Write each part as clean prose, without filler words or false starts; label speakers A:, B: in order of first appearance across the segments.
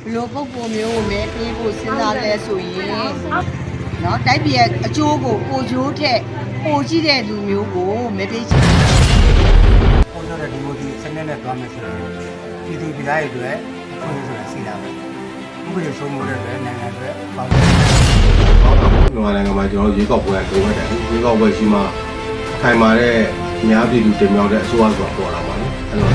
A: လိုပုဂ္ဂိုလ်မျိုးကိုမဲပေးဖို့စဉ်းစားလဲဆိုရင်နော်တိုက်ပြည်ရဲ့အကျိုးကိုပိုကျိုးထက်ပိုကြည့်တဲ့လူမျိုးကိုမဲပေးချင်တယ်
B: ။ပေါ်တော့ဒီမိုဒီစနစ်နဲ့သွားမယ်ဆိုရင်ပြည်သူပြည်သားတွေအတွက်အခွင့်အရေးဆိုတာရှိတာပဲ။ဥပဒေစိုးမိုးတဲ့အတွက်နိုင်ငံအတွက်ပေါင်း
C: မြန်မာနိုင်ငံမှာကျွန်တော်ရေကောက်ပွဲကလိုအပ်တယ်ရေကောက်ပွဲရှိမှခိုင်မာတဲ့အများပြည်သူတင်မြှောက်တဲ့အစိုးရဆိုတာပေါ်လာပါလေအဲ့တော့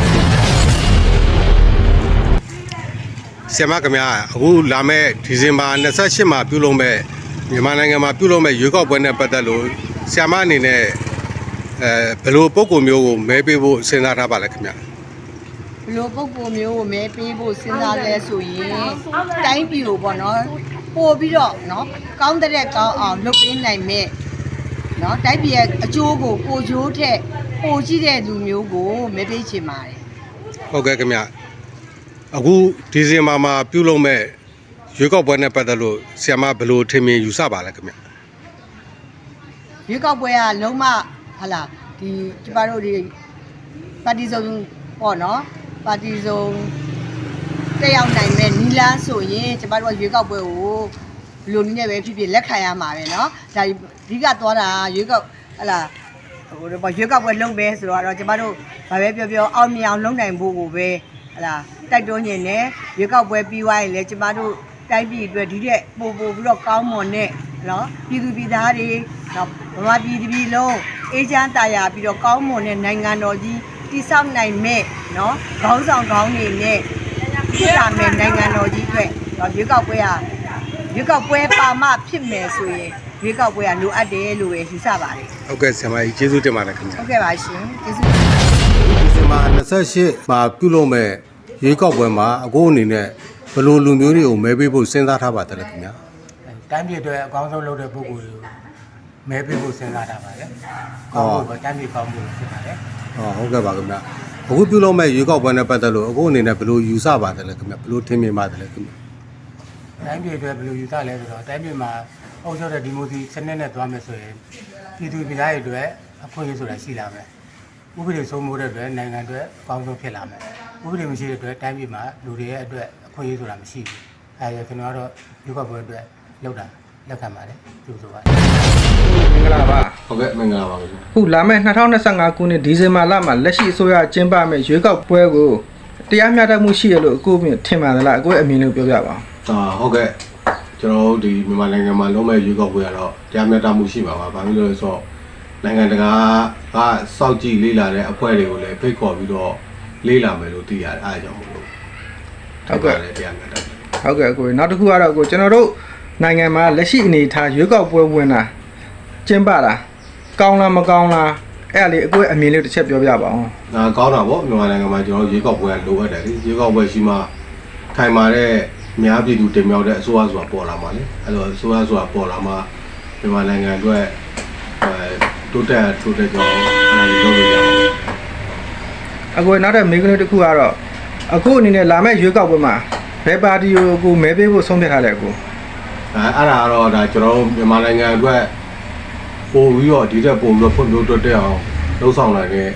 C: ဆရာမခင်ဗျာအခုလာမဲ့ဒီဇင်ဘာ28မှာပြုလုပ်မဲ့မြန်မာနိုင်ငံမှာပြုလုပ်မဲ့ရွေးကောက်ပွဲနဲ့ပတ်သက်လို့ဆရာမအနေနဲ့ဘယ်လိုပုံကိုမျိုးကိုမဲပေးဖို့စဉ်းစားထားပါလဲခင်ဗျာ
A: ဘလိုပုဂ္ဂိုလ်မျိုးကိုမဲပေးဖို့စဉ်းစားလဲဆိုရင်တိုင်းပြည်ကိုပေါ့နော်ပို့ပြီးတော့နော်ကောင်းတဲ့ကောင်းအောင်လုပ်ပေးနိုင်မဲ့နော်တိုင်းပြည်ရဲ့အကျိုးကိုပိုကျိုးထက်ပိုကြည့်တဲ့လူမျိုးကိုမဲပေးချင်ပါတယ်
C: ဟုတ်ကဲ့ခင်ဗျအခုဒီဇင်ဘာမှာပြုလုပ်မဲ့ရွေးကောက်ပွဲနဲ့ပတ်သက်လို့ဆရာမဘယ်လိုထင်မြင်ယူဆပါလဲခင်ဗျ
A: ရွေးကောက်ပွဲကလုံးဝဟာလာဒီကျမတို့ဒီပါတီစုံပေါ့နော်ပါတီစုံတက်ရောက်နိုင်မဲ့နီလန်းဆိုရင်ကျမတို့ကရွေးကောက်ပွဲကိုဘယ်လိုနည်းနဲ့ပဲဖြစ်ဖြစ်လက်ခံရမှာပဲเนาะဒါအဓိကသွားတာရွေးကောက်ဟလာဟိုရွေးကောက်ပွဲလုပ်ပဲဆိုတော့ကျမတို့ဘာပဲပြောပြောအောင်မြင်အောင်လုပ်နိုင်ဖို့ကိုပဲဟလာတိုက်တွန်းနေတယ်ရွေးကောက်ပွဲပြီးသွားရင်လည်းကျမတို့တိုင်းပြည်အတွက်ဒီတဲ့ပို့ပြီးတော့ကောင်းမွန်တဲ့နော်ပြည်သူပြည်သားတွေနော်ဗမာပြည်တပြည်လုံးအေးချမ်းတာယာပြီးတော့ကောင်းမွန်တဲ့နိုင်ငံတော်ကြီးတည်ဆောက်နိုင်မဲ့နော်ခေါင်းဆောင်ကောင်းတွေနဲ့ဖြစ်လာမဲ့နိုင်ငံတော်ကြီးအတွက်ရွေးကောက်ပွဲရွေးကောက်ပွဲပါမဖြစ်မယ်ဆိုရင်ရွေးကောက်ပွဲလိုအပ်တယ်လို့ပဲယူဆပါတယ်
C: ဟုတ်ကဲ့ဆရာမကြီးကျေးဇူးတင်ပါတယ်ခင်ဗျ
A: ဟုတ်ကဲ့ပါရှင်ကျေးဇူး
C: ဒီဇင်ဘာ28မှာပြုလုပ်မဲ့ရွေးကောက်ပွဲမှာအခုအနေနဲ့ဘယ်လိုလူမျိုးတွေကိုမဲပေးဖို့စဉ်းစားထားပါတယ်လဲခင်ဗျာ
B: တိုင်းပြည်အတွက်အကောင်းဆုံးလုပ်တဲ့ပုဂ္ဂိုလ်တွေကိုမဲပေးဖို့စဉ်းစားတာပါလေ။ကောင်းဖို့ပဲတိုင်းပြည်ကောင်းဖို့ဖြစ်ပါတယ်
C: ။ဟုတ်ကဲ့ပါခင်ဗျာအခုပြုလုပ်မဲ့ရွေးကောက်ပွဲနဲ့ပတ်သက်လို့အခုအနေနဲ့ဘယ်လိုယူဆပါတယ်လဲခင်ဗျာဘယ်လိုထင်မြင်ပါတယ်လဲခင်ဗျာ
B: တိုင်းပြည်အတွက်ဘယ်လိုယူဆလဲဆိုတော့တိုင်းပြည်မှာအုပ်ချုပ်တဲ့ဒီမိုဒီစနစ်နဲ့သွားမယ်ဆိုရင်ပြည်သူပြည်သားတွေအတွက်အခွင့်အရေးဆိုတာရှိလာမယ်။ဥပဒေစိုးမိုးတဲ့အတွက်နိုင်ငံအတွက်အကောင်းဆုံးဖြစ်လာမယ်။ဥပဒေမရှိတဲ့အတွက်တိုင်းပြည်မှာလူတွေရဲ့အတွက်အခွင့်အရေးဆိုတာမရှိဘူး။အဲဒါကျွန်တော်ကတော့ရွေးကောက်ပွဲအတွက်လုပ်တာလက်ခံပါတယ်ကြိုးဆိုပါတယ်
D: မင်္ဂလာပါ
C: ဟုတ်ကဲ့မင်္ဂလာပါခင်ဗျာ
D: ခုလာမယ့်2025ခုနှစ်ဒီဇင်ဘာလမှာလက်ရှိအစိုးရကျင်းပမယ့်ရွေးကောက်ပွဲကိုတရားမျှတမှုရှိရလို့အခုထင်ပါသလားအခုအမြင်လို့ပြောပြပါ
C: ဟုတ်ကဲ့ကျွန်တော်တို့ဒီမြန်မာနိုင်ငံမှာလုံးမဲ့ရွေးကောက်ပွဲကတော့တရားမျှတမှုရှိပါပါဘာလို့လဲဆိုတော့နိုင်ငံတကာကစောင့်ကြည့်လေ့လာတဲ့အဖွဲ့တွေကိုလည်းဖိတ်ခေါ်ပြီးတော့လေ့လာမယ်လို့သိရတယ်အားကြောင့်မို့လို့
D: ဟုတ်ကဲ့
C: တရားမျှတ
D: ဟုတ်ကဲ့အခုနောက်တစ်ခုကတော့အခုကျွန်တော်တို့နိုင်ငံမှာလက်ရှိအနေထားရွေးကောက်ပွဲဝင်တာကျင်းပတာကောင်းလားမကောင်းလားအဲ့ဒါလေးအခုအမြင်လေးတစ်ချက်ပြောပြပါအောင်
C: ကောင်းတာပေါ့မြန်မာနိုင်ငံမှာကျွန်တော်ရွေးကောက်ပွဲကလိုအပ်တယ်လေရွေးကောက်ပွဲရှိမှခိုင်မာတဲ့အများပြည်သူတင်မြှောက်တဲ့အစိုးရဆိုတာပေါ်လာမှာလေအဲ့တော့အစိုးရဆိုတာပေါ်လာမှမြန်မာနိုင်ငံအတွက်တိုးတက်ကြောင်းအဲ့ဒါလုပ်လို့ရအောင်
D: အခုနောက်တဲ့မိကလေးတစ်ခုကတော့အခုအနေနဲ့လာမယ့်ရွေးကောက်ပွဲမှာဘယ်ပါတီကိုအခုမဲပေးဖို့ဆုံးဖြတ်ထားလဲအခု
C: အဲ့ဒါကတော့ဒါကျွန်တော်မြန်မာနိုင်ငံအတွက်ပို့ပြီးတော့ဒီတက်ပို့ပြီးတော့ဖွံ့ဖြိုးတိုးတက်အောင်လှုပ်ဆောင်နိုင်တဲ့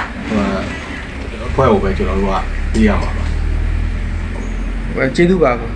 C: အဖွဲ့ကိုပဲကျွန်တော်တို့ကပေးရမှာပါ
D: ကျေးဇူးပါ